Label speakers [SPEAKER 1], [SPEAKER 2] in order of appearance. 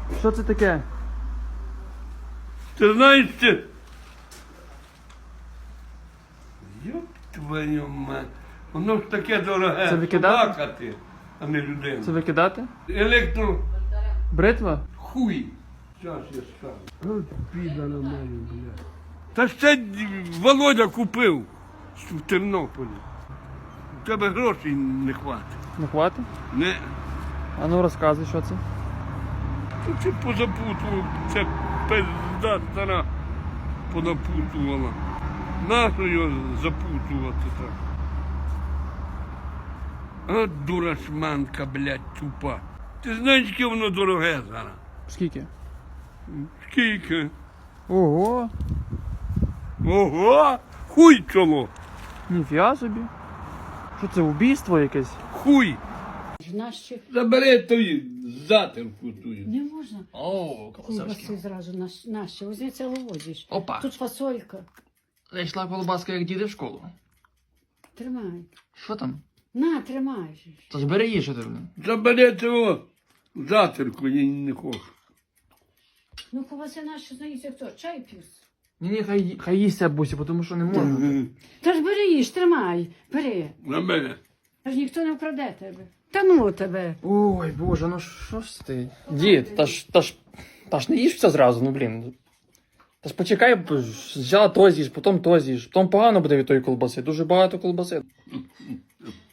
[SPEAKER 1] Що це таке?
[SPEAKER 2] Ти знаєш це? Йоп твою мать. Воно ж таке дороге.
[SPEAKER 1] Це викидати?
[SPEAKER 2] Собака ти, а не людина.
[SPEAKER 1] Це викидати?
[SPEAKER 2] Електро
[SPEAKER 1] Бритва?
[SPEAKER 2] хуй. Зараз я скажу. От біда на мене, блядь. Та ще Володя купив в Тернополі. У тебе грошей не хватить.
[SPEAKER 1] Не хватить?
[SPEAKER 2] Не.
[SPEAKER 1] А ну розказуй, що це.
[SPEAKER 2] Ну, це позапутував, це пизда стара понапутувала. Нащо його запутувати так? От дурашманка, блядь, тупа. Ти знаєш, яке воно дороге зараз?
[SPEAKER 1] Скільки?
[SPEAKER 2] Скільки?
[SPEAKER 1] Ого!
[SPEAKER 2] Ого! Хуй чоло!
[SPEAKER 1] Ніфіга собі. Що це, убійство якесь?
[SPEAKER 2] Хуй!
[SPEAKER 3] Наші
[SPEAKER 2] Забери ту затирку тую.
[SPEAKER 3] не можна.
[SPEAKER 1] О,
[SPEAKER 3] Ковбаси зразу наші. Возьми це вивозиш.
[SPEAKER 1] Опа.
[SPEAKER 3] Тут фасолька.
[SPEAKER 1] Зайшла колбаска, як діди в школу.
[SPEAKER 3] Тримай.
[SPEAKER 1] Що там?
[SPEAKER 3] На, тримай.
[SPEAKER 1] Та ж бери їж, що ти, блин.
[SPEAKER 2] Забери цього затирку, я не хочу.
[SPEAKER 3] Ну, ковбаси наші, знаєте, хто? Чай п'юс.
[SPEAKER 1] Ні, хай їсть бусі, тому що не можна.
[SPEAKER 3] Та ж бери їж, тримай. Бери.
[SPEAKER 2] Забери.
[SPEAKER 3] Аж ніхто не вкраде тебе. Та ну тебе.
[SPEAKER 1] Ой, боже, ну що ж ти? Дід, та ж не їж все зразу, ну блін. Та ж почекай, взяла то з'їж, потім то з'їж. Потім погано буде від тої колбаси, дуже багато колбаси.